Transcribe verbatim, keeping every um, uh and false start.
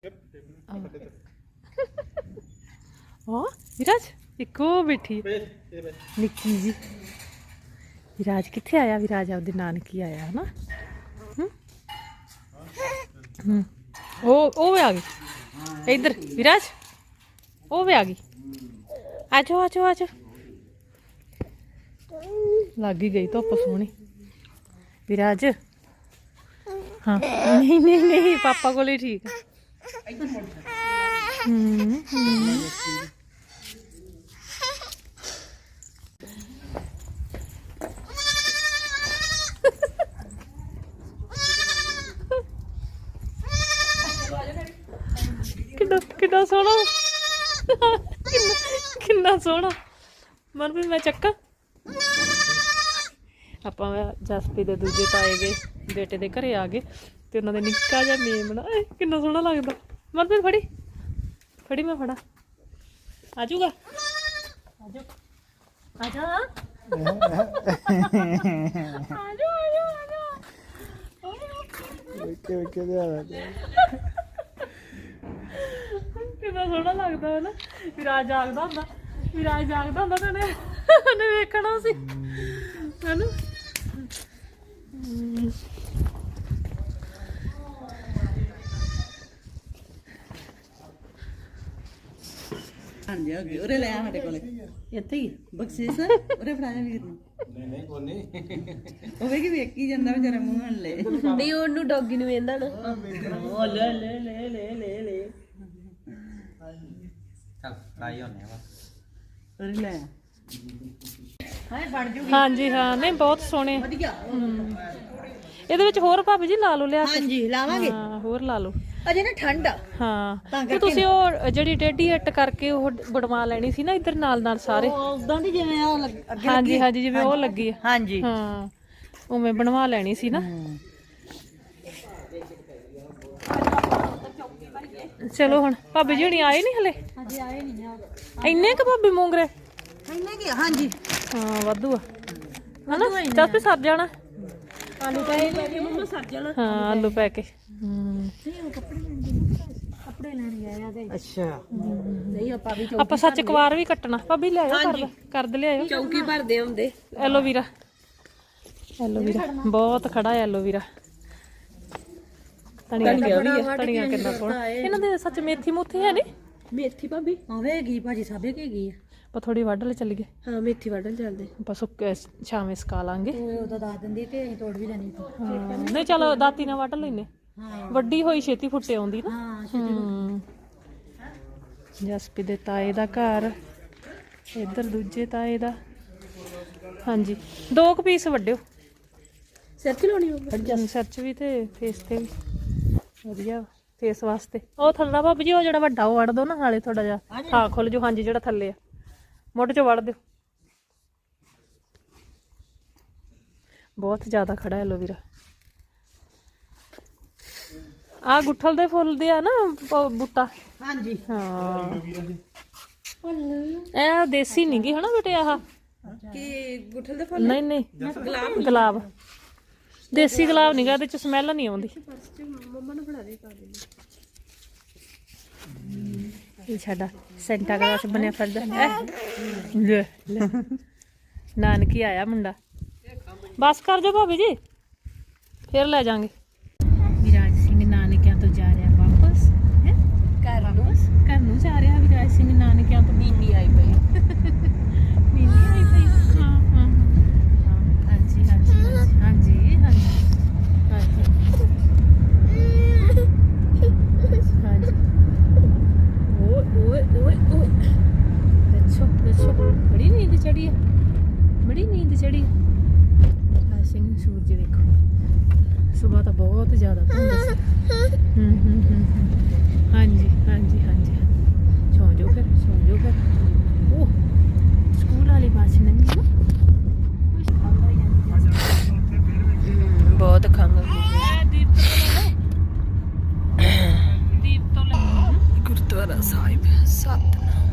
हाँ विराज इको बैठी निक्की जी। विराज कित्थे आया? विराज आपदे नानकी आया है ना। हम्म ओ ओ भी आ गई इधर। विराज ओ भी आ गई। आजो आजो आजो। लग ही गई धुप सोहनी। विराज हाँ नहीं नहीं नहीं पापा को ही ठीक है। हम्म हम्म कितना कितना सोहना कितना सोहना मनप्रीत मैं चक्का ਆਪਾਂ ਜਸਪੀ ਦੇ ਦੂਜੇ ਤਾਏ ਦੇ ਬੇਟੇ ਦੇ ਘਰੇ ਆ ਗਏ ਤੇ ਉਹਨਾਂ ਦੇ ਨਿੱਕਾ ਜਿਹਾ ਮੇਮਣਾ ਕਿੰਨਾ ਸੋਹਣਾ ਲੱਗਦਾ। ਮਨਪ੍ਰੀਤ ਫੜੀ ਫੜੀ ਮੈਂ ਫੜਾ ਆ ਜਾਊਗਾ ਆ ਜਾ ਆ ਜਾ ਆ ਜਾ ਆ ਜਾ ਵੇਖੇ ਵੇਖੇ ਦੇ ਆ ਕਿੰਨਾ ਸੋਹਣਾ ਲੱਗਦਾ ਹੈ ਨਾ। ਵਿਰਾਜ ਜਾਗਦਾ ਹੁੰਦਾ ਵਿਰਾਜ ਜਾਗਦਾ ਹੁੰਦਾ ਤੇ ਉਹਨੇ ਉਹਨੇ ਵੇਖਣਾ ਸੀ ਹੈ ਨਾ। ਹਾਂਜੀ ਹੋ ਗਈ ਉਰੇ ਲੈ ਆ ਸਾਡੇ ਕੋਲੇ ਇੱਥੇ ਹੀ ਬਖਸ਼ੀਸ਼ ਉਰੇ ਫੜਾਇਆ ਵੀਰ ਨੂੰ। ਨਹੀਂ ਨਹੀਂ ਕੋਈ ਨਹੀਂ ਉਹ ਵੇਖੀ ਵੇਖੀ ਜਾਂਦਾ ਵਿਚਾਰਾ ਮੂੰਹ ਨਾਲ ਲੈ ਨਹੀਂ ਉਹਨੂੰ ਡੌਗੀ ਨੂੰ ਵੇਂਦਾ ਨਾ। ਉਹ ਲੈ ਲੈ ਲੈ ਲੈ ਲੈ ਲੈ ਚੱਲ ਫਰਾਈ ਹੋਣੇ ਵਾ ਉਰੇ ਲੈ ਹਾਏ ਫੜ ਜੂਗੀ। ਹਾਂਜੀ ਹਾਂ ਨਹੀਂ ਬਹੁਤ ਸੋਹਣੇ ਵਧੀਆ। ਇਹਦੇ ਵਿੱਚ ਹੋਰ ਭਾਬੀ ਜੀ ਲਾ ਲਓ ਲਿਆ ਕੇ। ਹਾਂਜੀ ਲਾਵਾਂਗੇ ਹਾਂ ਹੋਰ ਲਾ ਲਓ ਅਜੇ ਨਾ ਠੰਡ ਆ। ਹਾਂ ਤੇ ਤੁਸੀਂ ਉਹ ਜਿਹੜੀ ਟੇਢੀ ਇੱਟ ਕਰਕੇ ਉਹ ਬੜਵਾ ਲੈਣੀ ਸੀ ਨਾ ਇੱਧਰ ਨਾਲ ਨਾਲ ਸਾਰੇ। ਉਦਾਂ ਦੀ ਜਿਵੇਂ ਆ ਅੱਗੇ ਹਾਂਜੀ ਹਾਂਜੀ ਜਿਵੇਂ ਉਹ ਲੱਗੀ ਆ। ਹਾਂਜੀ ਹਾਂ ਉਵੇਂ ਬਣਵਾ ਲੈਣੀ ਸੀ ਨਾ। ਚਲੋ ਹੁਣ ਭਾਬੀ ਜੀ ਹੁਣੀ ਆਏ ਨਹੀਂ ਹਲੇ। ਅਜੇ ਆਏ ਨਹੀਂ ਆ ਇੰਨੇ ਕ ਭਾਬੀ ਮੂੰਗਰੇ ਇੰਨੇ ਕੀ ਹਾਂਜੀ ਹਾਂ ਵਾਧੂ ਆ ਹਨਾ। ਚੱਲ ਵੀ ਸਰ ਜਾਣਾ ਆਲੂ ਪੈ ਕੇ ਮੰਮਾ ਸਰ ਜਾਣਾ। ਹਾਂ ਆਲੂ ਪੈ ਕੇ। ਹੂੰ ਕੱਪੜੇ ਲੈਣ ਆਇਆ ਤੇ ਅੱਛਾ ਨਹੀਂ ਆਪਾਂ ਵੀ ਆਪਾਂ ਸੱਚ ਕਵਾਰ ਵੀ ਕੱਟਣਾ ਭਾਬੀ ਲੈ ਆਓ ਕਰ ਕਰ ਦੇ ਲਿਆਓ। ਚੌਕੀ ਭਰਦੇ ਹੁੰਦੇ ਐਲੋਵੀਰਾ ਐਲੋਵੀਰਾ ਬਹੁਤ ਖੜਾ ਹੈ ਐਲੋਵੀਰਾ। ਧਨੀਆ ਧਨੀਆ ਕਿੰਨਾ ਸੋਹਣਾ ਇਹਨਾਂ ਦੇ ਸੱਚ ਮੇਥੀ ਮੂਥੀ ਹੈ ਨੀ ਮੇਥੀ ਭਾਬੀ ਆਵੇਗੀ ਭਾਜੀ ਸਾਬੇ ਕੇ ਗਈ ਆ। ਆਪਾਂ ਥੋੜੀ ਵੱਢ ਲੈ ਚੱਲੀਏ। ਹਾਂ ਮੇਥੀ ਵੱਢਣ ਚੱਲਦੇ ਆਪਾਂ ਸੁੱਕੇ ਛਾਵੇਂ ਸਕਾ ਲਾਂਗੇ। ਉਹਦਾ ਦੱਸ ਦਿੰਦੀ ਤੇ ਅਸੀਂ ਤੋੜ ਵੀ ਲੈਣੀ ਸੀ। ਨਹੀਂ ਚਲੋ ਦਾਤੀ ਨਾਲ ਵੱਢ ਲੈਨੇ। ਹਾਂ ਵੱਡੀ ਹੋਈ ਛੇਤੀ ਫੁੱਟੇ ਆਉਂਦੀ ਨਾ। ਹਾਂ ਹੂੰ ਜਸਪੀ ਦੇ ਤਾਏ ਦਾ ਘਰ ਇੱਧਰ ਦੂਜੇ ਤਾਏ ਦਾ। ਹਾਂਜੀ ਦੋ ਕੁ ਪੀਸ ਵੱਡਿਓ ਸਿਰ ਚ ਲਾਉਣੀ ਹੋਵੇ ਸਿਰ ਚ ਵੀ ਤੇ ਫੇਸ ਤੇ ਵੀ ਵਧੀਆ ਫੇਸ ਵਾਸਤੇ। ਉਹ ਥੱਲਾ ਭਾਬੀ ਜੀ ਉਹ ਜਿਹੜਾ ਵੱਡਾ ਉਹ ਵੱਢ ਦੋ ਨਾ ਨਾਲੇ ਥੋੜਾ ਜਿਹਾ ਹਾਂ ਖੁੱਲ ਜੋ। ਹਾਂਜੀ ਜਿਹੜਾ ਥੱਲੇ ਆ ਮੁੱਢ ਚੋਂ ਵੱਢ ਦਿਓ। ਬਹੁਤ ਜ਼ਿਆਦਾ ਖੜਾ ਐਲੋਵੀਰਾ। ਆ ਗੁੱਠਲ ਦੇ ਫੁੱਲ ਦੇ ਆ ਨਾ ਬੂਟਾ। ਹਾਂਜੀ ਹਾਂ ਇਹ ਦੇਸੀ ਨੀ ਗੀ ਹਨਾ ਬੇਟੇ ਆਹ ਕੀ ਗੁੱਠਲ ਦੇ ਫੁੱਲ। ਨਹੀਂ ਨਹੀਂ ਗੁਲਾਬ ਦੇਸੀ ਗੁਲਾਬ ਨੀਗਾ ਇਹਦੇ ਚ ਸਮੈਲ ਨਹੀਂ ਆਉਂਦੀ। ਮੰਮਾ ਨੂੰ ਬਣਾ ਦੇ ਪਾ ਦੇ ਇਹ ਸਾਡਾ ਸੈਂਟਾ ਕਲਾਸ ਬਣਿਆ ਫਿਰਦਾ। ਲੈ ਲੈ ਨਾਨਕੀ ਆਇਆ ਮੁੰਡਾ। ਬਸ ਕਰ ਜਾਓ ਭਾਬੀ ਜੀ ਫਿਰ ਲੈ ਜਾਾਂਗੇ। ਵਿਰਾਜ ਸਿੰਘ ਨਾਨਕਿਆਂ ਤੋਂ ਜਾ ਰਿਹਾ ਵਾਪਸ ਹੈ ਘਰ ਨੂੰ। ਘਰ ਨੂੰ ਜਾ ਰਿਹਾ ਵਿਰਾਜ ਸਿੰਘ ਨਾਨਕਿਆਂ ਤੋਂ। ਮੀਨੀ ਆਈ ਪਈ ਮੀਨੀ ਆਈ ਪਈ। ਹਾਂ ਹਾਂ ਹਾਂ ਹਾਂਜੀ ਹਾਂਜੀ ਹਾਂਜੀ ਹਾਂਜੀ ਹਾਂਜੀ ਹਾਂਜੀ ਓਏ ਓਏ ਓਏ ਦੇਖੋ ਦੇਖੋ ਬੜੀ ਨੀਂਦ ਚੜੀ ਹੈ ਬੜੀ ਨੀਂਦ ਚੜੀ ਹੈ। ਸਿੰਘ ਸੂਰਜ ਦੇਖੋ ਸੁਬਾਹ ਤਾਂ ਬਹੁਤ ਜ਼ਿਆਦਾ ਧੁੰਦ ਸੀ। ਹੂੰ ਹੂੰ ਹੂੰ ਹਾਂਜੀ ਹਾਂਜੀ ਹਾਂਜੀ ਸੌਂ ਜਾਓ ਫਿਰ ਸੌਂ ਜਾਓ ਫਿਰ। ਉਹ ਸਕੂਲ ਵਾਲੀ ਬੱਸ ਲੰਘੀ ਨਾ ਬਹੁਤ ਖੰਘ ਦੀਪ ਤੋਂ ਲੈ ਦੀਪ ਤੋਂ ਲੈ ਗੁਰਦੁਆਰਾ ਸਾਹਿਬ ਸਤਨਾਮ